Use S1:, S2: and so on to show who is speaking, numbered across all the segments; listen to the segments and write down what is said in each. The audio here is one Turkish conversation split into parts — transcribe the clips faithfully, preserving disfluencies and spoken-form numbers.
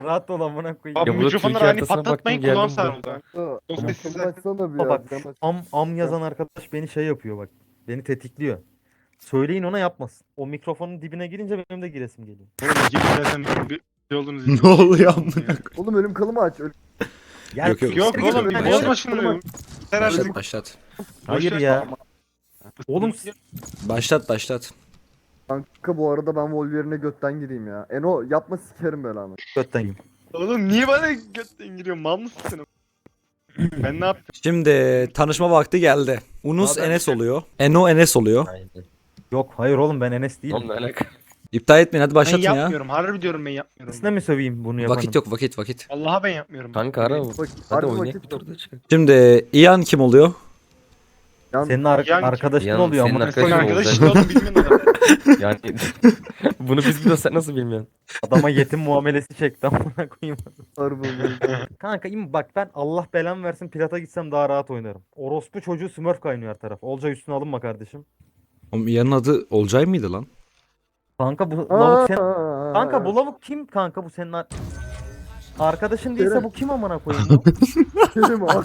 S1: Rahat ol amına koyayım.
S2: Abi
S3: Ya burada
S2: mikrofonları
S3: Türkiye
S2: hani
S3: haritasına
S2: patlatmayın
S3: baktım,
S2: kulağım
S3: geldim
S2: sarıldı.
S4: Aa,
S2: Yoksa
S4: ama
S2: siz
S4: açsana bir
S1: Ama
S4: ya.
S1: bak
S4: cam aç.
S1: am, am yazan arkadaş beni şey yapıyor bak. Beni tetikliyor. Söyleyin ona yapmasın. O mikrofonun dibine girince benim de giresim geliyor.
S2: Oğlum gibi zaten bir bir şey olduğunuz
S3: Ne oluyor amına?
S4: Oğlum ölüm kalımı aç. Ölüm
S1: Ya,
S3: Yok, yok.
S2: Yok
S1: siktir
S2: oğlum
S1: git
S2: bir
S1: lan.
S2: bozma şunu. Herhalde
S3: Başlat başlat.
S1: Hayır ya. Oğlum s-
S3: Başlat başlat.
S4: kanka bu arada ben Wolverine'e götten gireyim ya. Eno yapma sikerim belanı.
S1: götten yiyeyim.
S2: Oğlum niye bana götten giriyorsun? Mal mısın sen? Ben ne yaptım?
S3: Şimdi tanışma vakti geldi. Unus
S2: Abi,
S3: Enes oluyor. Eno Enes oluyor.
S5: Aynen.
S1: Yok hayır oğlum ben Enes değilim.
S5: Oğlum ne alaka?
S3: İptal etmeyin hadi
S2: Ben
S3: başlatın ya.
S2: yapmıyorum. Harbi diyorum ben yapmıyorum.
S1: Sizinle mi söveyim bunu yapanım?
S3: Vakit yok vakit vakit.
S2: Allah'a ben yapmıyorum.
S5: Kanka ara.
S4: Bak,
S5: Hadi
S4: harbi
S5: oynayalım
S4: vakit
S5: bir de orada çıkalım.
S3: Şimdi Ian kim oluyor?
S4: Yan-
S1: Senin ar-
S2: Yani-
S1: arkadaşın
S5: Yani
S1: oluyor
S5: senin
S1: ama
S5: arkadaşın
S2: Senin
S5: oldu.
S2: arkadaş işte oğlum bilmiyorum da.
S5: Yani bunu biz biliyoruz, sen nasıl bilmiyorsun?
S1: adama yetim muamelesi çekti amına koyayım.
S4: harbi Wolverine.
S1: Kanka im bak ben Allah belamı versin Plat'a gitsem daha rahat oynarım. Orospu çocuğu Smurf kaynıyor her taraf. Olcay üstüne alınma kardeşim.
S3: Oğlum Ian'ın adı Olcay mıydı lan?
S1: Kanka bu lavuk sen...
S4: Aa,
S1: Kanka bu lavuk kim kanka bu senin ar- arkadaşın değilse
S4: Kerem.
S1: bu kim amına koyayım lan?
S4: Kerim abi.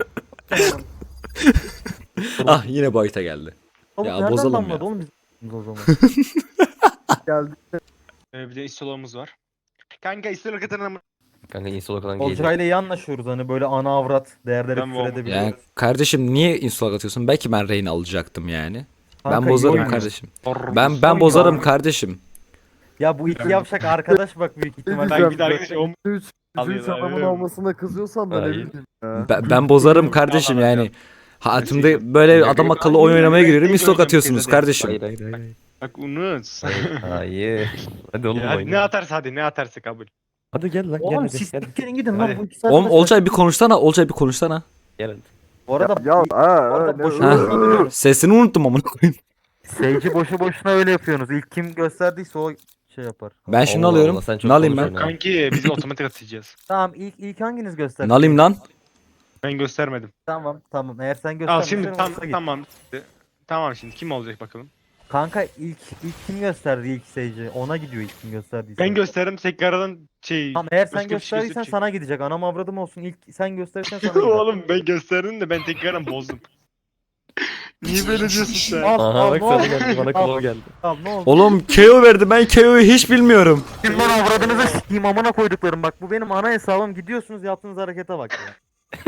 S3: Ah yine boyuta geldi.
S1: Lavuk
S3: Ya
S1: nereden
S3: bozalım
S1: damladı
S3: ya.
S1: oğlum biz o zaman?
S4: Geldi.
S2: Ee, bir de istolomuz var. Kanka istolo katına
S5: Kanka insolokadan gelecek.
S1: Olcay'la iyi anlaşıyoruz hani böyle ana avrat değerleri
S2: Ben bu-
S1: küfür edebiliyoruz.
S3: Yani kardeşim niye insult atıyorsun? Belki ben Reyna alacaktım yani.
S1: Kanka,
S3: Ben
S1: iyi
S3: bozarım
S1: oynuyor.
S3: kardeşim. Ben ben
S1: Oyun
S3: bozarım
S1: ya.
S3: kardeşim.
S1: Ya bu iki yavşak arkadaş bak büyük ihtimalle.
S4: diyeceğim?
S2: Ben bir de arkadaş o
S4: Üç,
S2: Alıyor
S4: üç
S2: da,
S4: adamın
S2: evet.
S4: olmasına kızıyorsan da ne
S5: Hayır.
S4: bileyim ya.
S3: Ben, ben bozarım kardeşim
S2: Yalan
S3: yani.
S2: ya.
S3: Hayatımda böyle adam akıllı oyun oynamaya giriyorum. Insult atıyorsunuz kardeşim.
S5: Hayır hayır hayır.
S2: bak unut.
S5: Hayır. Hayır. Hadi oğlum
S2: Ya hadi ne
S5: oyna.
S2: atarsa hadi ne atarsa kabul.
S5: Hadi gel lan gel
S1: Oğlum
S5: hadi.
S1: siz
S5: Gel,
S1: siktirin gidin
S2: Hadi.
S1: lan bu iki saat.
S3: Oğlum Olcay bir konuşsana. Olcay bir konuşsana.
S5: gel hadi.
S1: Bu arada
S4: Ya aa,
S1: orada
S4: aa, ne-
S1: boşuna
S3: Ha.
S1: söylüyorum.
S3: Sesini unuttum amına koyayım.
S1: Sage'i boşu boşuna öyle yapıyorsunuz. İlk kim gösterdiyse o şey yapar.
S3: Ben şimdi
S5: Allah
S3: alıyorum.
S5: Allah, sen çok
S3: Ne alayım ben?
S5: konuşuyorsun ha.
S2: Kanki biz otomatik atacağız.
S1: Tamam ilk ilk hanginiz gösterdi?
S3: Ne alayım lan?
S2: Ben göstermedim.
S1: Tamam tamam. Eğer sen
S2: Al
S1: gösterdiysen
S2: şimdi tam,
S1: olsa git.
S2: tamam. Tamam şimdi kim olacak bakalım.
S1: Kanka ilk ilk kim gösterdi ilk Sage'i? Ona gidiyor ilk kim gösterdiyse.
S2: Ben gösteririm tekrardan şey.
S1: Tamam eğer sen
S2: başka bir şey
S1: gösterdiysen
S2: gösterecek.
S1: sana gidecek. Anam avradım olsun. İlk sen gösterirsen sana gider.
S2: Oğlum ben gösterdim de ben tekrardan bozdum. Niye böyle diyorsun sen?
S1: Al
S5: Aha
S1: al
S5: bak
S1: ne
S5: sana
S1: oldu?
S5: geldi bana
S1: Al,
S5: klov geldi.
S1: al ne oldu?
S3: Oğlum K O verdi. Ben K O'yu hiç bilmiyorum.
S1: Kim lan avradınızı sikeyim amına koyduklarım bak bu benim ana hesabım gidiyorsunuz yaptığınız harekete bak ya.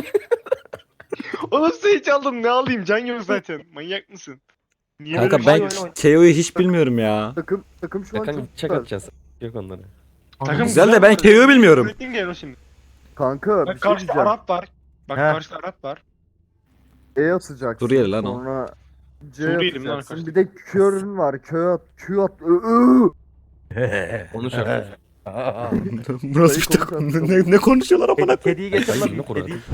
S2: Oğlum sen hiç aldım ne alayım can yok zaten. Manyak mısın? Niye
S3: Kanka
S2: böyle bir
S3: ben
S2: şey
S1: oyun oyun.
S3: K O'yu hiç bilmiyorum ya.
S4: Takım takım şu an
S5: Kanka
S4: çok
S5: çak
S4: güzel.
S5: atacağız. Yok onları.
S2: Takım
S3: Güzel de ben K O'yu bilmiyorum.
S2: Üretim gel o şimdi.
S4: Kanka bir
S2: Bak
S4: şey
S2: karşıda
S4: diyeceğim.
S2: Arap var. Bak
S1: He.
S2: karşıda Arap var.
S4: E atacaksın.
S3: Suriyeli lan o.
S4: Sonra C
S2: Suriyeli mi lan
S4: atacaksın.
S2: arkadaş?
S4: Bir de Q'ün var. Q at. Q at. Ö, ö.
S5: Onu şart.
S3: Bu nasıl bir takım? Ne, ne konuşuyorlar amına
S1: Kedi,
S3: koyayım?
S1: kediyi getir
S5: Ay,
S1: lan.
S5: yine kur
S1: Kediyi.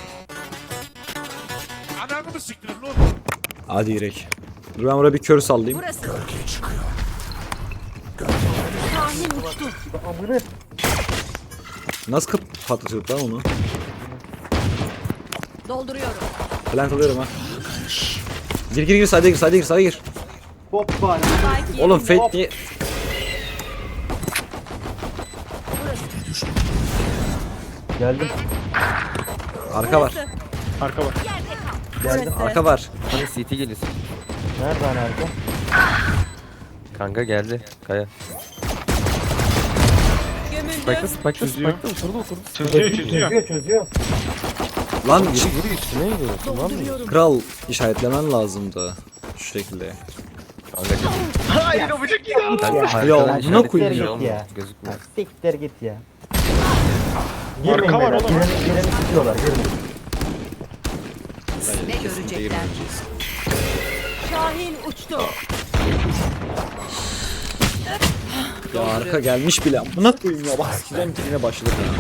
S3: Hadi girek. Dur ben buraya bir kör sallayayım.
S6: Burası. Şahin uçtu.
S1: Amına.
S3: Nasıl kap patlatıyorduk lan onu?
S6: Dolduruyorum.
S3: Plant alıyorum ha. Gir gir gir sayda gir sayda gir sayda gir.
S6: Spike
S3: Oğlum
S6: yerinde.
S3: Fate niye?
S1: Geldim.
S3: Arka var.
S6: Burası.
S2: Arka var.
S1: Geldim.
S6: Burası.
S3: Arka var.
S5: Hani C T geliyorsun.
S1: Nerede hani arka?
S5: Kanka geldi. Kaya.
S6: Gömüldü.
S5: Spike'da Spike'da
S2: Çözüyor.
S5: Spike'da oturdu oturdu.
S2: Çözüyor çözüyor.
S1: Çözüyor çözüyor.
S3: Lan
S5: Yürü yürü üstüne gidiyorsun lan mı?
S6: Dolduruyorum.
S3: kral işaretlemen lazımdı. Şu şekilde.
S5: Kanka gel.
S2: Hayır o bıçak yine aldı.
S5: Kanka
S3: Ya,
S5: haritadan
S3: buna
S5: işaret
S3: koyayım
S5: ediyor
S1: ya.
S5: ama
S1: Ya.
S5: Gözükmüyor.
S1: Siktir git ya.
S2: Arka var oğlum.
S1: Gireni, gireni tutuyorlar. Gireni.
S6: Ne görecekler? Şahin uçtu.
S3: Ya arka gelmiş bile. Buna koyayım ya. Bak sikeceğim ki yine başladık ya.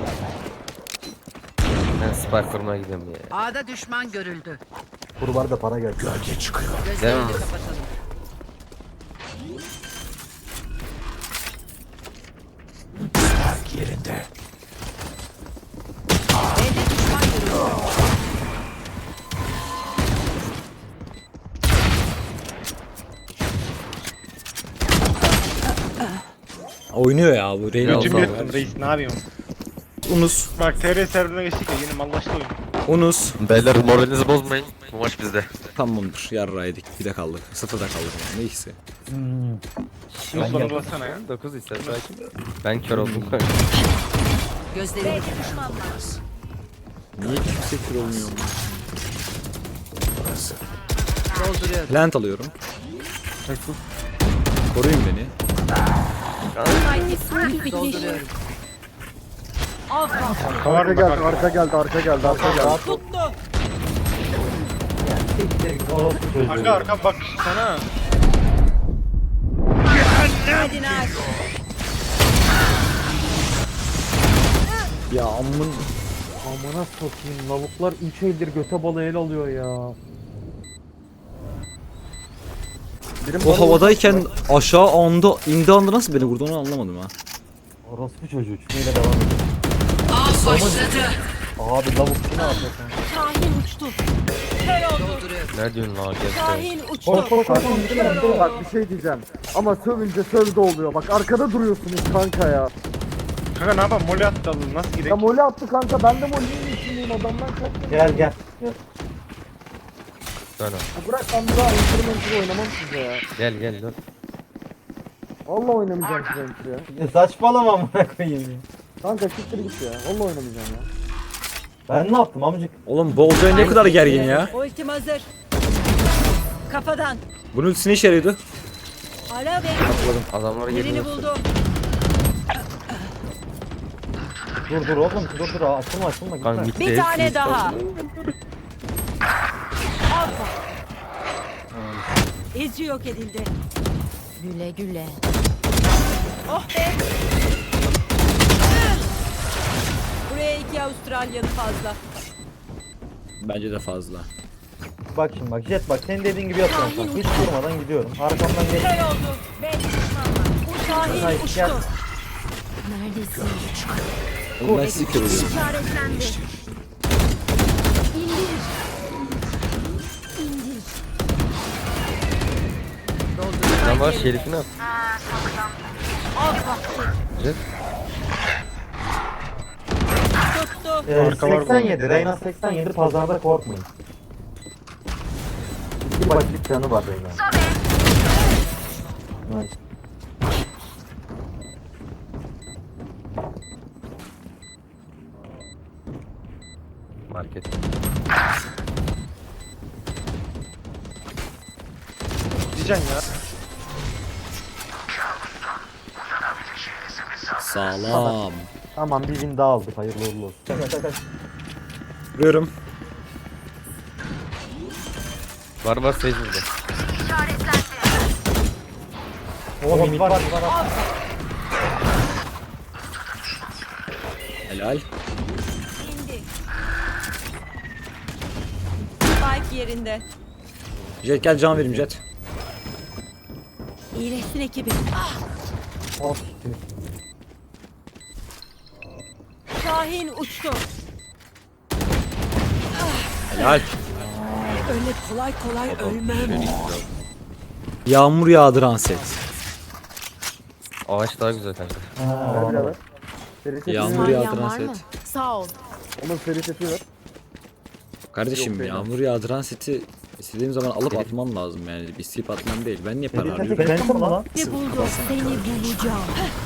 S5: Ben Spike kurmaya gidiyorum ya.
S6: A'da düşman görüldü.
S1: Kurbarda para geldi.
S6: Gözlerini
S5: Devam.
S6: kapatalım. B'de düşman görüldü.
S3: Oynuyor ya bu. Reyna
S5: Yok,
S2: Götümü
S5: sağ ol.
S2: yırttım reis ne yapayım?
S3: Unus.
S2: Bak T R serverına geçtik ya yine mallaştı oyun.
S3: Unus.
S5: Beyler moralinizi bozmayın. Bu maç bizde.
S3: Tamamdır. Yarraydık. Bir de kaldık. Sıfırda kaldık. Yani. Neyse.
S2: Şunu sorgulasana ya.
S5: dokuz ister belki. Ben kör oldum.
S6: Gözlerini
S3: Niye kimse kür olmuyor?
S6: dolduruyorum.
S3: Plant alıyorum. Koruyun beni.
S6: Dolduruyorum.
S2: Arka var
S4: Arka
S2: mı?
S4: geldi,
S2: Bak arka.
S4: arka geldi, arka geldi, arka geldi.
S2: Arka arka bak sana.
S3: Ya amın.
S1: Amına sokayım lavuklar üç eldir göte balı el alıyor ya.
S4: Birim
S3: O
S4: bana
S3: havadayken aşağı anda indi anda nasıl beni vurdu onu anlamadım ha.
S1: Orospu çocuğu neyle devam ediyor.
S6: Av başladı.
S1: Abi lavuk ne yapıyor sen?
S7: Şahin uçtu. Kör oldu.
S6: Dolduruyorum.
S5: Ne diyorsun lan gel.
S7: Şahin uçtu.
S1: Koş koş koş.
S4: vurdu. Bak bir şey diyeceğim. Ama sövünce sövde oluyor. Bak arkada duruyorsunuz kanka ya.
S2: Kanka ne yapalım mole attı alın nasıl
S4: Ya
S2: gidelim?
S4: mole attı kanka, ben de molenin içindeyim, adamdan kaçtım.
S1: Gel gel.
S5: Dön abi.
S4: Ya bırak, ben bir daha instrumental oynamam size ya.
S5: Gel gel dön.
S4: Vallahi oynamayacağım size instrumental ya.
S1: Ya saçmalama amına koyayım ya.
S4: Kanka siktir git ya. Vallahi oynamayacağım ya.
S1: Ben ne yaptım amcık?
S3: Oğlum Bolcay ne kadar gergin ya.
S7: Ultim hazır. Kafadan.
S3: Bunun ultisi ne işe yarıyordu?
S7: Ara ve
S5: Adamlara
S7: yerini
S5: geliyor.
S7: buldum.
S1: Dur dur oğlum dur dur açılma açılma
S5: Kanka
S1: gitme.
S5: mitte
S7: Bir tane
S5: hepsi
S7: daha.
S5: istersen.
S7: Alfa. İzci yok edildi. Güle güle. Oh be. Buraya iki Avustralyalı fazla.
S3: Bence de fazla.
S1: Bak şimdi bak Jet bak senin dediğin gibi yapıyorum kanka. Hiç durmadan gidiyorum. Arkamdan geç.
S7: Kör oldu. Beş düşman var. Şahin
S1: Hayır,
S7: uçtu.
S1: gel.
S7: Neredesin?
S3: Oğlum ben sizi kör oluyorum.
S7: İşaretlendi. İndir. İndir.
S6: Dolduruyorum.
S5: Lan var şerifini at.
S7: Alfa.
S5: Jet.
S7: Tuttu.
S1: Ee,
S2: Arka var bu
S1: seksen yedi. Reyna seksen yedi pazarda korkmayın. İki başlık canı var Reyna. Nice.
S5: Market.
S2: Diyeceksin ya.
S3: Sağlam.
S1: Tamam bir win daha aldık hayırlı uğurlu olsun.
S3: Vuruyorum.
S5: Var var sage burada.
S1: Oğlum mid var mid var.
S3: Helal.
S7: İndi. Spike yerinde.
S3: Jet gel can vereyim Jet.
S7: İyileşsin ekibi.
S1: Oh, siktir.
S7: Şahin uçtu.
S3: Helal.
S7: Öyle kolay kolay ölmem.
S3: Yağmur yağdıran set.
S5: Ağaç daha güzel kanka.
S4: Ver birader. Seri sesi
S3: Yağmur
S4: ver.
S7: Saniyen
S3: yağdıran
S7: var mı?
S3: set.
S7: Sağ ol.
S4: Onun seri sesi ver.
S3: Kardeşim
S4: Yok, benim.
S3: yağmur yağdıran seti istediğim zaman alıp atman lazım yani. Bir sip atmam değil. Ben niye para
S1: Seri
S3: harcıyorum?
S1: sesi Phantom mu lan?
S7: Ve buldum. Seni bulacağım.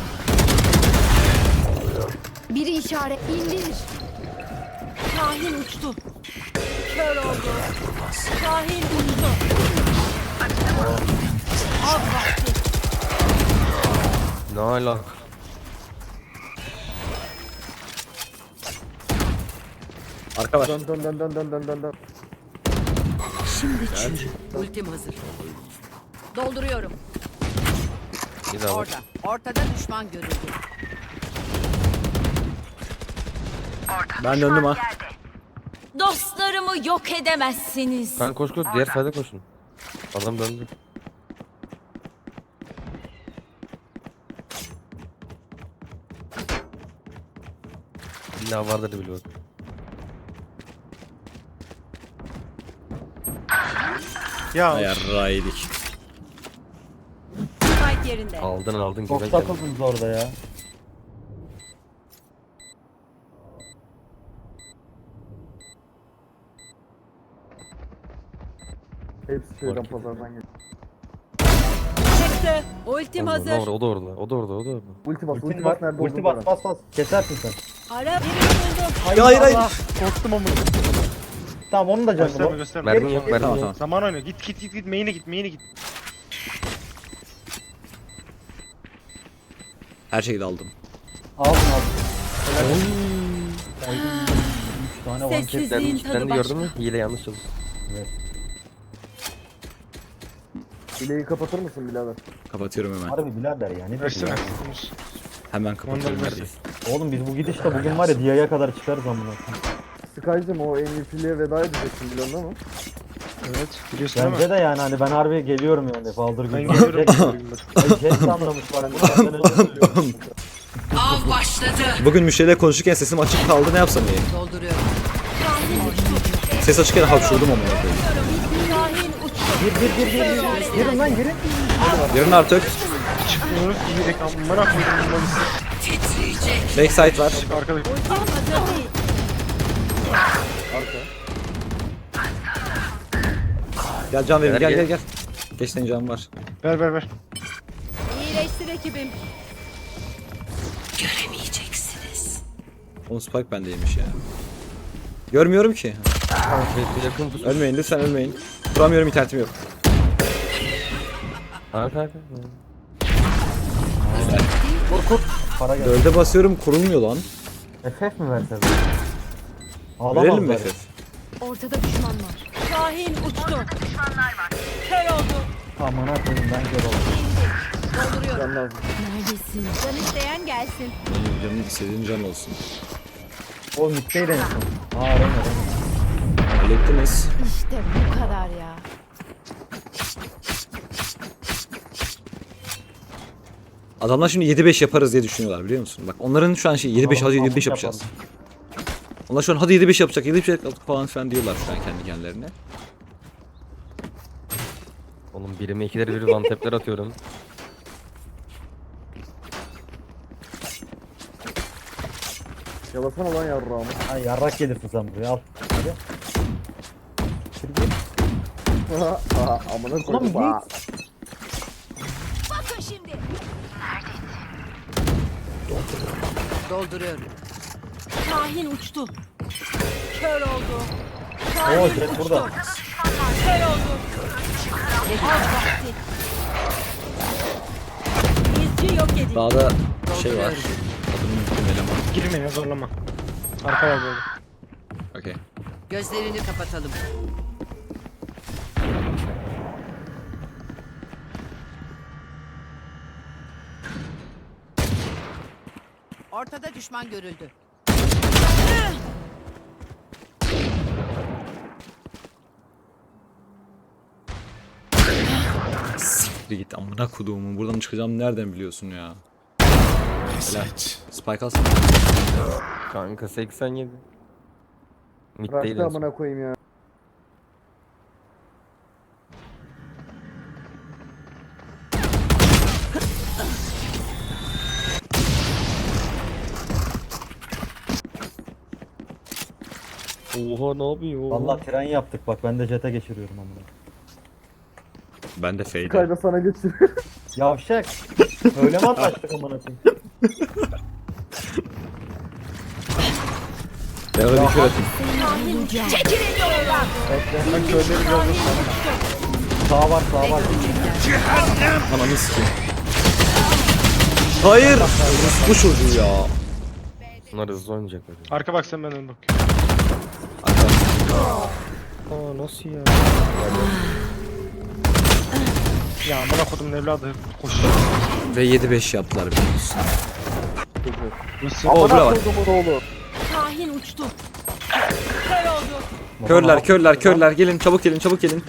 S8: Biri işaret indir.
S7: Şahin uçtu. Kör oldu. Şahin uçtu. Av vakti.
S5: Ne alaka?
S3: Arka var.
S4: Dön dön dön dön dön dön dön dön.
S7: Şimdi çürü.
S6: Ultim hazır.
S7: Dolduruyorum.
S5: Bir daha bak.
S6: Orada. Ortada düşman görüldü.
S3: Ben döndüm ha.
S7: Dostlarımı yok edemezsiniz.
S5: Kanka koş koş diğer sayda koşun. Adam döndü. İlla vardır bile bak.
S2: Ya
S3: Yarraydık.
S7: Spike
S6: yerinde.
S5: Aldın aldın
S1: Çok
S5: güzel geldi.
S1: takıldınız orada ya.
S4: Hepsi şeyden
S5: Market.
S4: pazardan geliyor.
S6: Çıktı. Ultim
S5: O da
S6: hazır.
S5: orada, o da orada, o da orada, o da orada.
S4: Ulti bas, ulti,
S1: Ulti
S4: bas
S1: bas,
S4: nerede
S1: ulti
S4: olduğunu
S1: bas,
S4: öğren.
S1: bas bas. Kesersin sen.
S6: Ara birini buldum.
S3: Hayır hayır.
S2: Korktum ama.
S1: Tamam onun da canı
S2: Gösterme
S1: bu.
S2: gösterme.
S5: Mermi yok, mermi
S3: Tamam
S5: yok.
S3: tamam.
S2: Zaman oynuyor. Git git git git. Main'e git main'e git.
S3: Her şeyi de aldım.
S1: Aldın aldın. Üç tane one tap.
S6: Sessizliğin
S5: Ben,
S6: tadı
S5: ben de
S6: başka.
S5: gördün mü? Hile yanlış çalıştı.
S4: Bileği kapatır mısın birader?
S3: Kapatıyorum hemen.
S1: Harbi birader ya. Ne
S2: Versene.
S1: diyorsun
S3: Hemen kapatıyorum
S2: Mandal
S3: neredeyse.
S1: ya? Oğlum biz bu gidişle bugün var ya Dia'ya kadar çıkarız amına.
S4: Sky'cım o M V P'liğe veda edeceksin biliyorsun değil mi?
S2: Evet. Biliyorsun değil mi?
S1: Bence de yani hani ben harbi geliyorum yani. Baldır
S2: Ben
S1: gibi.
S2: geliyorum.
S1: Ay Jet de anlamış var. Bunu benden önce söylüyorum.
S6: Av başladı.
S3: Bugün müşteriyle konuşurken sesim açık kaldı, ne yapsam iyi?
S6: Dolduruyorum.
S3: Ses açıkken hapşurdum ama.
S6: Şahin uçtu.
S1: Gir gir gir gir gir. Girin lan girin.
S3: Yarın artık
S2: Çıkmıyoruz. İyi reklam. Merak ediyorum.
S6: Titriyecek.
S3: backside var.
S2: Arkadaş.
S6: Ultim hazır değil.
S3: Gel can verin, gel
S5: Gel,
S3: gel
S5: gel.
S3: gel. Geç senin canın var.
S2: Ver ver ver.
S6: İyileştir ekibim. Göremeyeceksiniz.
S3: Onun spike bendeymiş ya. Görmüyorum ki.
S5: Bir yakın tut.
S3: Ölmeyin lütfen ölmeyin. Duramıyorum, internetim yok.
S5: Arka arka.
S1: Kur kur. Para gel.
S3: Dörde basıyorum, kurulmuyor lan.
S1: F F mi verseniz?
S3: Verelim mi F F?
S8: Ortada düşman var.
S6: Şahin uçtu. Kör oldu.
S1: Amına koyayım ben kör oldum.
S6: Dolduruyorum.
S4: Can lazım.
S8: Neredesin?
S6: Can isteyen gelsin.
S3: Benim canım istediğin can olsun.
S1: O mitteydi en son. Aa Rene Rene.
S3: Hallettiniz.
S8: İşte bu kadar ya.
S3: Adamlar şimdi yedi beş yaparız diye düşünüyorlar biliyor musun? Bak onların şu an şey yedi beş hadi yedi beş
S1: Yapalım.
S3: yapacağız. Onlar şu an hadi yedi beş yapacak, yedi beş yapacak falan filan diyorlar şu an kendi kendilerine.
S5: Oğlum birime ikileri bir one tap'ler atıyorum.
S4: Yalasana lan yarrağımı.
S1: Ay yarrak gelirsin sen buraya al. Hadi.
S4: Aha, amına
S1: Ulan
S4: koydum.
S1: niye-
S4: Aa.
S8: Bakın şimdi.
S6: Dolduruyorum. Şahin uçtu. Kör oldu.
S1: Oo
S6: Şahin
S1: Jet
S6: uçtu.
S1: burada.
S6: Kör oldu. Az vakti. İzci yok edildi.
S3: Dağda şey var.
S6: Dolduruyorum.
S3: Adını unuttum eleman.
S2: Girmeyin zorlama. Arka var böyle.
S3: Okey.
S6: Gözlerini kapatalım. Ortada düşman görüldü.
S3: Siktir git amına koduğumu. Buradan çıkacağım nereden biliyorsun ya? Helal. Spike alsın.
S5: Kanka seksen yedi. Mid değil
S4: Bıraktı
S5: en son.
S4: amına koyayım ya.
S5: Oha ne yapıyor?
S1: Vallahi tren yaptık bak ben de Jet'e geçiriyorum amına.
S3: Ben de fade.
S4: Sky'da sana geçir.
S1: Yavşak. Öyle mi anlaştık amına koyayım?
S3: Ben öyle bir kere atayım.
S2: Ben köyleri biraz da
S1: Sağ var sağ var.
S3: Ananı sikeyim. Hayır. Bu çocuğu ya.
S5: Bunlar hızlı oynayacaklar.
S2: Arka bak sen benden bak.
S5: Aa nasıl ya?
S2: Ya amına kodum evladı koş.
S3: Ve yedi beş yaptılar biliyorsun.
S2: Nasıl?
S3: Oo bura var.
S4: Kodumun oğlu.
S6: Şahin uçtu. Kör oldu.
S3: Körler körler körler gelin çabuk gelin çabuk gelin.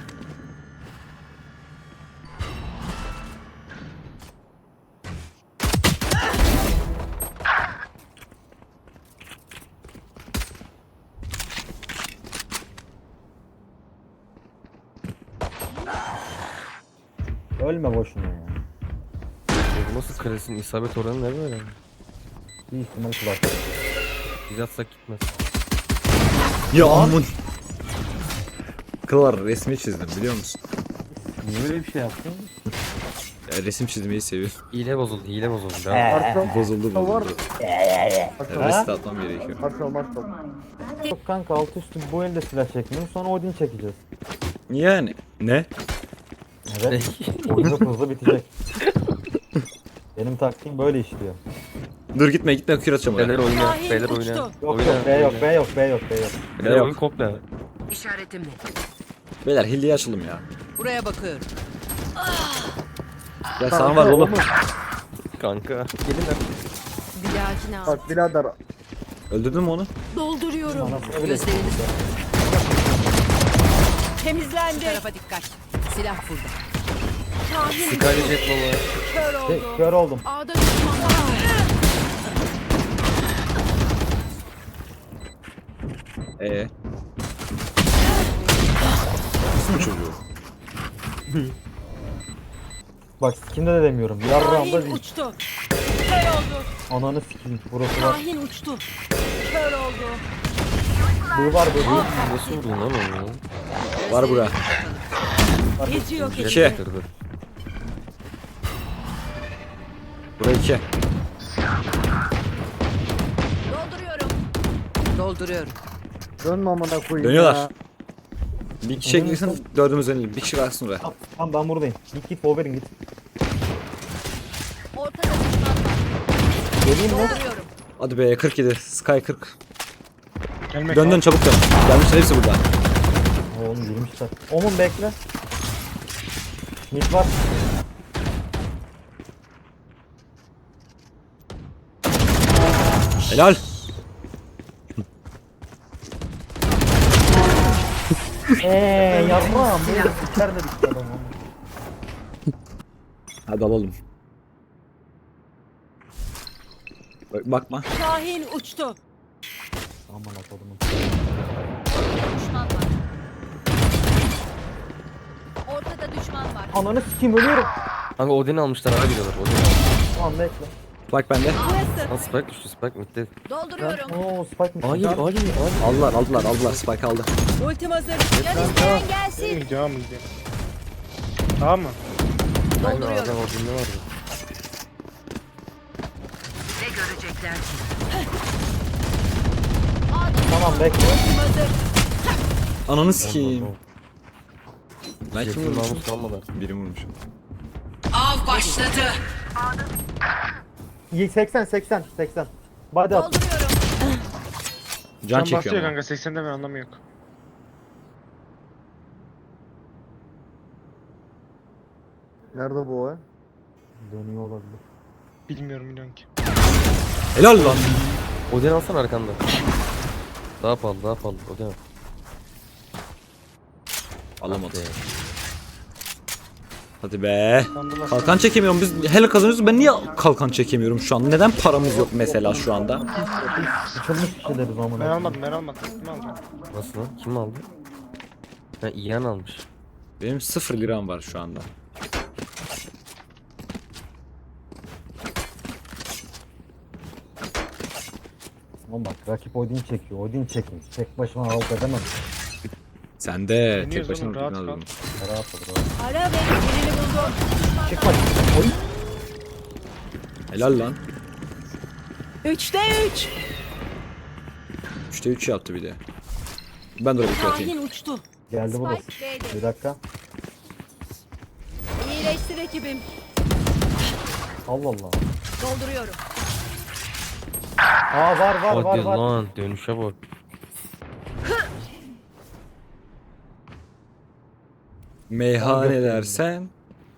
S1: Ölme boşuna ya.
S5: Bu nasıl kalesin isabet oranı ne böyle?
S1: Bir ihtimal kulak.
S5: Biz atsak gitmez.
S3: Ya aman. Kılar resmi çizdim biliyor musun?
S1: Niye böyle bir şey yaptın?
S3: Ya, resim çizmeyi seviyorum.
S5: Hile bozuldu, hile bozuldu. Devam.
S4: Arka
S3: Bozuldu
S4: var.
S3: bozuldu.
S4: Arka
S3: Reset atmam gerekiyor.
S4: Arka marka.
S1: Yok kanka alt üstü bu elde silah çekmiyorum sonra Odin çekeceğiz.
S3: Yani ne?
S1: Evet. Oyun hızlı hızlı bitecek. Benim taktiğim böyle işliyor.
S3: Dur gitme gitme kür atacağım
S5: Beyler
S3: oraya.
S5: oyna,
S6: Şahin
S5: beyler
S6: uçtu.
S5: oyna.
S1: Yok
S5: Oyna,
S1: yok B yok
S5: oyna.
S1: B yok B yok B yok.
S5: Beyler
S3: Yok.
S5: oyun komple.
S6: İşaretimle.
S3: Beyler hilliyi açalım ya.
S6: Buraya bakıyorum.
S3: Ya sağ var oğlum.
S5: Kanka. Gelin lan.
S8: Bir dahakine al.
S4: Bak birader.
S3: Öldürdün mü onu?
S6: Dolduruyorum.
S1: Anasını bile
S6: Gözlerini
S1: s**tım.
S6: temizlendi. Tarafa dikkat. Silah burada.
S8: Şahin
S5: Skyler jet baba.
S8: kör
S1: Şey,
S8: oldu.
S1: Kör oldum.
S8: A'da düşman var.
S3: Ee. Nasıl mı çocuğu?
S1: Bak sikimde de demiyorum. Yarrağımda
S6: Şahin
S1: değil.
S6: uçtu. Kör oldu.
S1: Ananı sikeyim. Burası var.
S6: Şahin uçtu. Kör oldu.
S1: Bu var bu. bu.
S5: Nasıl vurdun lan onu?
S3: Var bura.
S6: Gezi yok
S5: Jet
S3: İki.
S5: yaptırdı.
S3: Bura iki.
S6: Dolduruyorum. Dolduruyorum.
S4: Dönme amına koyayım
S3: Dönüyorlar.
S4: ya.
S3: Bir kişiye girsin dördümüz ölelim. Bir kişi kalsın oraya.
S1: Tamam, tamam ben buradayım. Git git Wolverine git.
S6: Ortada düşman var.
S1: Geleyim mi?
S6: Dolduruyorum.
S3: Hadi be kırk yedi. Sky kırk.
S2: Gelmek
S3: Dön dön çabuk dön. Gelmişler hepsi burada.
S1: Oğlum girmişler. Omun bekle. Mid var.
S3: Helal.
S1: Eee yarrağım. Böyle siker dedik adamı.
S3: Hadi alalım. Bak, bakma.
S6: Şahin uçtu.
S1: Aman akodumun.
S6: Düşman var. Ortada düşman var.
S1: Ananı sikeyim ölüyorum.
S5: Kanka Odin'i almışlar abi diyorlar. Odin.
S1: Tamam bekle.
S3: Bak bende.
S5: Lan Spike düştü, Spike midde.
S6: Dolduruyorum.
S1: Oo spike mi?
S5: Hayır, hayır, hayır.
S3: Aldılar aldılar aldılar. Spike aldı.
S6: Ultim hazır. Can isteyen gelsin.
S2: Devam mı gidelim? Tamam mı?
S5: Aynen adam
S6: Dolduruyorum.
S5: Odin'de vardı.
S6: Ne görecekler ki?
S1: Tamam bekle.
S6: Ultim hazır.
S3: Ananı sikeyim. Ben kim
S5: Jet'in
S3: vurmuşum?
S5: namus kalmadı.
S3: Biri vurmuşum.
S6: Av başladı.
S1: seksen seksen seksen. Body at.
S6: Dolduruyorum.
S3: Can
S2: Can
S3: çekiyor
S2: basıyor
S3: ama.
S2: kanka seksende ben anlamı yok.
S4: Nerede bu o?
S1: Dönüyor olabilir.
S2: Bilmiyorum biliyorum ki.
S3: Helal lan.
S5: Odin alsana arkanda. Daha pahalı, daha pahalı. Odin al.
S3: Alamadı.
S5: Be.
S3: Hadi be. Kalkan çekemiyorum. Biz hele kazanıyoruz. Ben niye kalkan çekemiyorum şu an? Neden paramız yok mesela şu anda?
S1: Sıçılmış kişileriz amına.
S2: Ben almadım ben almadım. Kim alacağım?
S5: Nasıl lan? Kim aldı? Ha Ian almış.
S3: Benim sıfır liram var şu anda.
S1: Oğlum bak rakip Odin çekiyor. Odin çekin. Tek başıma halt edemem.
S3: Sen de
S2: Deniyoruz
S3: tek başına
S2: oğlum, rahat
S3: rahat
S2: kal.
S3: aldın.
S1: Rahat ol rahat.
S6: Ara ve birini buldum.
S1: Çıkma. Oy.
S3: Helal lan.
S6: Üçte üç.
S3: üçte üç yaptı bir de. Ben de oraya bir atayım.
S6: Şahin uçtu.
S1: Geldi burası.
S6: Spike B'de.
S1: Bir dakika.
S6: İyileştir ekibim.
S1: Allah Allah.
S6: Dolduruyorum.
S1: Aa var var var
S5: Hadi
S1: var.
S5: lan dönüşe bak.
S3: Meyhane dersen.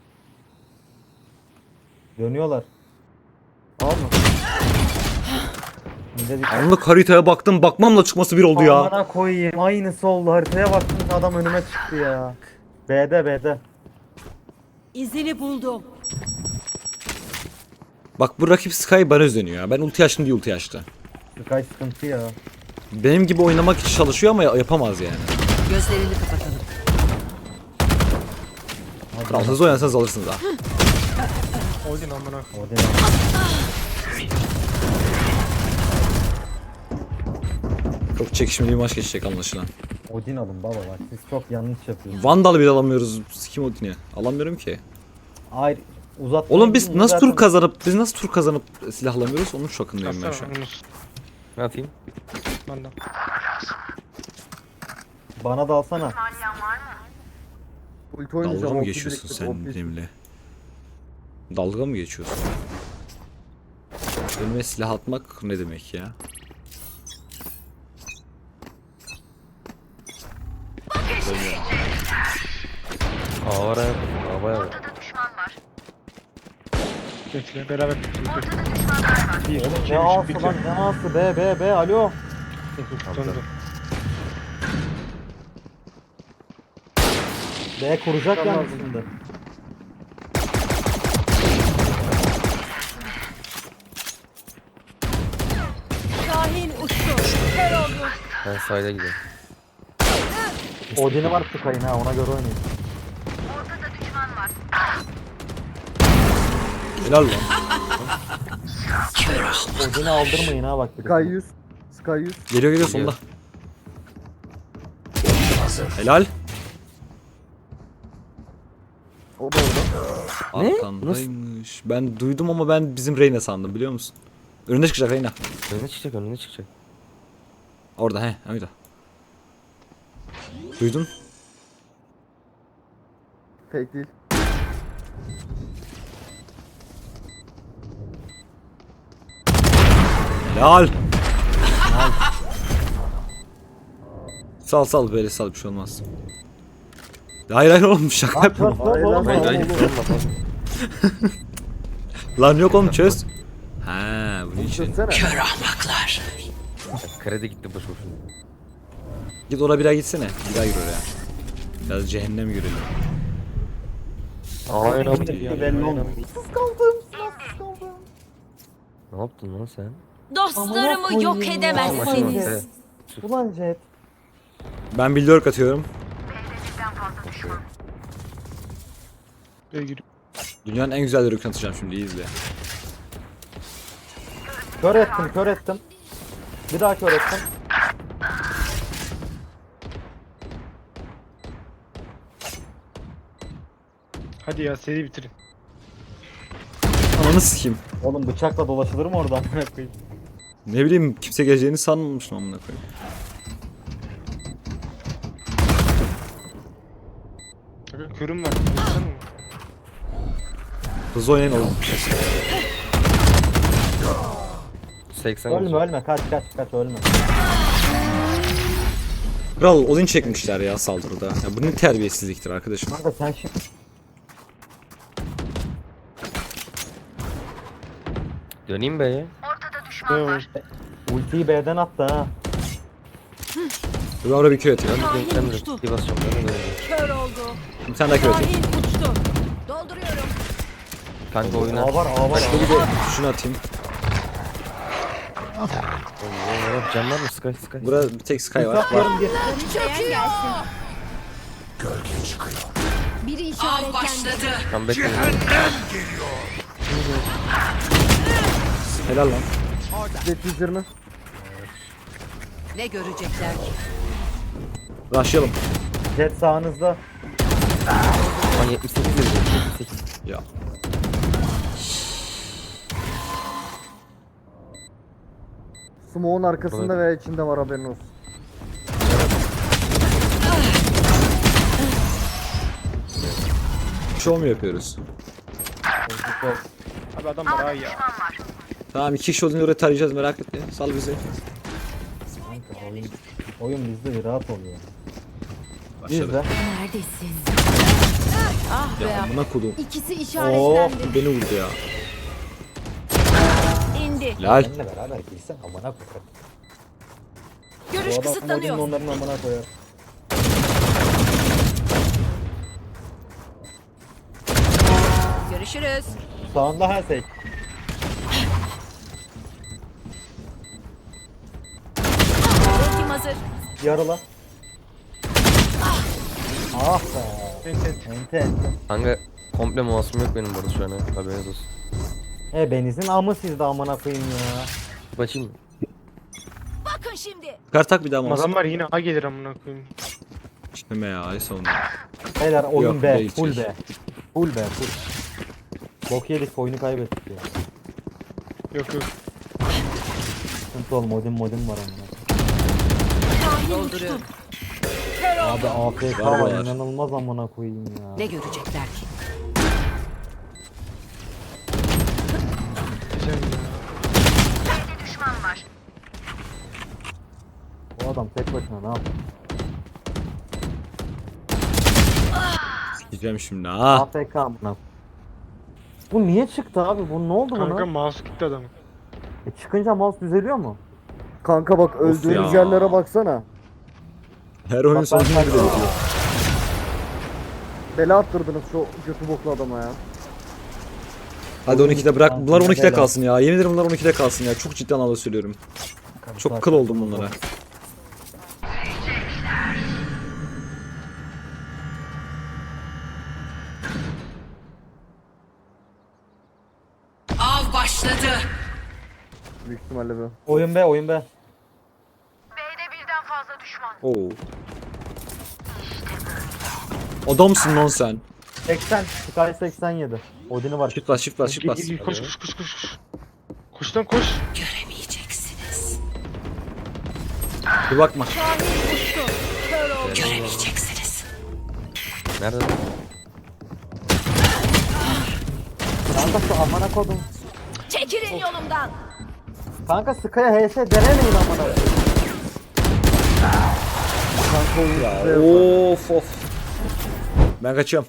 S1: Dönüyorlar. Alma. Bir de bir
S3: Anlık haritaya baktım bakmamla çıkması bir oldu ya.
S1: Amına koyayım. Aynısı oldu. Haritaya baktım adam önüme çıktı ya. B'de B'de.
S6: İzini buldum.
S3: Bak bu rakip Sky baraj dönüyor ya. Ben ulti açtım diye ulti açtı.
S1: Sky sıkıntı ya.
S3: Benim gibi oynamak için çalışıyor ama yapamaz yani.
S6: Gözlerini kapatalım.
S3: Kral hızlı oynasanız alırsınız ha.
S2: Odin amına.
S1: Odin al.
S3: Çok çekişmeli bir maç geçecek anlaşılan.
S1: Odin alın baba bak siz çok yanlış yapıyorsunuz.
S3: Vandal bile alamıyoruz. Kim Odin'i? Alamıyorum ki.
S1: Hayır uzat.
S3: Oğlum biz nasıl tur kazanıp biz nasıl tur kazanıp silahlamıyoruz onun şokundayım ben şu
S2: Atsana
S3: an.
S2: Yunus.
S5: Ne atayım?
S2: Benden.
S1: Bana da alsana.
S4: Ulti oynayacağım.
S3: Dalga mı
S4: ulti
S3: geçiyorsun
S4: biriktirip,
S3: sen
S4: O P.
S3: benimle? Dalga mı geçiyorsun? Önüme silah atmak ne demek ya?
S5: Aa var ha. Aa bayağı var.
S2: Bekle beraber. Bir,
S1: Oğlum
S2: iki,
S1: ne
S2: üç,
S1: ağası
S2: bitiyor.
S1: lan ne ağası be be be alo.
S2: Döndü.
S1: B kuracak
S4: Tamam.
S1: yani şimdi.
S6: Şahin uçtu. Kör oldu.
S5: Ben sahile gidiyorum.
S1: Odin'i var Sky'ın ha ona göre oynayın.
S3: Helal lan.
S1: Odin'i aldırmayın ha bak.
S4: Sky yüz. Sky yüz.
S3: Geliyor geliyor sonunda. Helal.
S4: O da orada.
S3: Arkandaymış. Ben duydum ama ben bizim Reyna sandım biliyor musun? Önünde çıkacak Reyna.
S5: Önüne çıkacak önüne çıkacak.
S3: Orada he, öyle. Duydun?
S4: Fake değil.
S3: Helal. Sal sal böyle sal bir şey olmaz. Hayır hayır oğlum şaka yapma.
S4: Hayır lan,
S5: Hayır
S4: hayır.
S5: hayır. Olma,
S3: Lan yok oğlum çöz. Ha bunun için.
S4: Çözsene.
S5: Kredi gitti boş boşuna.
S3: Git oraya bir daha gitsene. Bir daha gir oraya. Biraz cehennem görelim.
S5: Aynen.
S1: Belli olmuyor.
S5: Ne yaptın lan sen?
S8: Dostlarımı yok edemezsiniz.
S5: Evet.
S1: Ulan Jet.
S3: Ben bir lurk atıyorum.
S2: B'ye giriyor.
S3: Dünyanın en güzel lurk'ını atacağım şimdi iyi izle.
S1: Kör ettim kör ettim. Bir daha kör ettim.
S2: Hadi ya seri bitirin.
S3: Ananı sikeyim.
S1: Oğlum bıçakla dolaşılır mı oradan? Amına koyayım.
S3: Ne bileyim kimse geleceğini sanmamıştım amına koyayım.
S2: Kanka körüm var. Baksana mı?
S3: Hızlı oynayın oğlum.
S5: seksen
S1: Ölme ölme kaç kaç kaç ölme.
S3: Kral Odin çekmişler ya saldırıda. Ya bu ne terbiyesizliktir arkadaşım.
S1: Kanka sen şimdi
S5: Döneyim be ya.
S2: Ne var?
S1: ultiyi B'den attı ha.
S3: Dur oraya bir köy atayım.
S5: Ben de ben de bir basacağım. Ben de döneceğim.
S6: Kör oldu.
S3: Bir tane daha köy atayım.
S6: Şahin uçtu.
S8: Dolduruyorum.
S5: Kanka oyuna.
S1: A var A var.
S3: Bir de şunu atayım.
S5: Oo, Can var mı? Sky Sky.
S3: Burada bir tek Sky var. var.
S1: Atıyorum gir.
S8: Çöküyor. gelsin. Biri işaretlendi.
S5: Tam bekleyin.
S3: Helal lan.
S4: Jet yüz yirmi.
S6: Ne görecekler ki?
S3: Rushlayalım.
S1: Jet sağınızda.
S5: Lan yetmiş sekiz dedi. yetmiş sekiz.
S3: Ya.
S4: Smoke'un arkasında veya içinde var haberin olsun.
S3: Show mu yapıyoruz?
S2: Abi adam var ay ya.
S3: Tamam iki kişi olduğunu oraya tarayacağız merak etme. Sal bizi.
S1: Kanka oyun, oyun bizde bir rahat oluyor.
S3: Başladı.
S1: Bizde.
S7: Neredesin?
S6: Ah be.
S3: Ya amına kodum.
S8: İkisi
S3: Oo
S8: işaretlendi.
S3: beni vurdu ya.
S8: İndi.
S3: Lal.
S1: Benimle beraber girsen amına koyar.
S8: Görüş
S1: Bu adam
S8: kısıtlanıyor.
S1: Odin'in onların amına koyar.
S6: Görüşürüz.
S1: Sağında her şey.
S8: Ultim hazır.
S1: Yarıla. Ah be.
S2: Ent ent.
S1: Ente ente.
S5: Kanka komple mouse'um yok benim burada şu an ha. Haberiniz olsun.
S1: E benizin amı sizde amına koyayım ya.
S5: Bakayım mı?
S8: Bakın şimdi.
S3: Kar tak bir daha mouse.
S2: Adamlar yine A gelir amına koyayım.
S3: İşte ya ay sonunda.
S1: Beyler oyun
S3: Yok,
S1: B.
S3: değil,
S1: Full
S3: şey.
S1: B. Full B. Full. Bok yedik oyunu kaybettik ya.
S2: Yok yok.
S1: Sıkıntı ol modem modem var onunla.
S6: Dolduruyorum.
S1: Abi A F K
S3: Var
S1: var
S3: var.
S1: inanılmaz amına koyayım ya.
S6: Ne görecekler ki?
S2: Güzel ya.
S1: Bu adam tek başına ne yapıyor?
S3: Gideceğim şimdi ha.
S1: A F K amına. Bu niye çıktı abi? Bu ne oldu
S2: Kanka
S1: buna?
S2: mouse gitti adamın.
S1: E çıkınca mouse düzeliyor mu?
S4: Kanka bak öldüğümüz
S3: ya.
S4: yerlere baksana.
S3: Her oyun
S1: Bak ben
S3: sonucunda
S1: sana-
S3: bile bitiyor.
S4: Bela attırdınız şu götü boklu adama ya.
S3: Hadi on ikide bırak. Bunlar on ikide
S1: Helal.
S3: kalsın ya. Yemin ederim bunlar on ikide kalsın ya. Çok ciddi anlamda söylüyorum. Çok kıl oldum bunlara.
S6: Av başladı.
S4: Büyük ihtimalle bu.
S1: Oyun B, oyun B.
S3: Oo. Adamsın lan sen.
S1: seksen, Sky seksen yedi. Odin'i var.
S3: Shift bas, shift bas, shift bas.
S2: Gir, gir, Koş koş koş koş. koş. Koş lan koş.
S6: Göremeyeceksiniz.
S3: Bir bakma.
S6: Göremeyeceksiniz.
S5: Nerede? lan?
S1: Kanka şu amına kodum.
S8: Çekilin yolumdan.
S1: Kanka Sky'a H S denemeyin amına.
S4: Kanka oyun
S3: Ya
S4: size-
S3: of of. Ben kaçıyorum.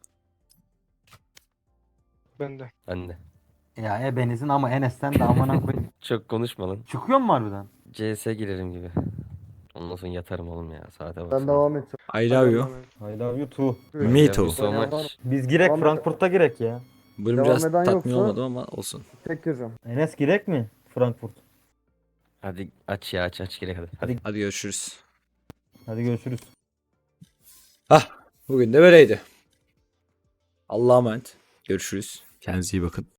S2: Ben de.
S5: Ben de.
S1: Ya ebenizin ama Enes'ten de amına koyayım.
S5: Çok konuşma lan.
S1: Çıkıyor mu harbiden?
S5: C S girerim gibi. Ondan sonra yatarım oğlum ya. Saate bak.
S4: Ben devam edeceğim.
S3: I love you.
S1: I love you too.
S3: Me too.
S5: So much.
S1: Biz girek
S4: Devam et.
S1: Frankfurt'a girek ya.
S3: Bölüm
S4: Devam
S3: biraz
S4: eden
S3: tatmin
S4: yoksa-
S3: olmadı ama olsun.
S4: Tek gireceğim.
S1: Enes girek mi? Frankfurt.
S5: Hadi aç ya aç aç gerek hadi. Hadi.
S3: Hadi görüşürüz.
S1: Hadi görüşürüz.
S3: Hah, bugün de böyleydi. Allah'a emanet. Görüşürüz. Kendinize iyi bakın.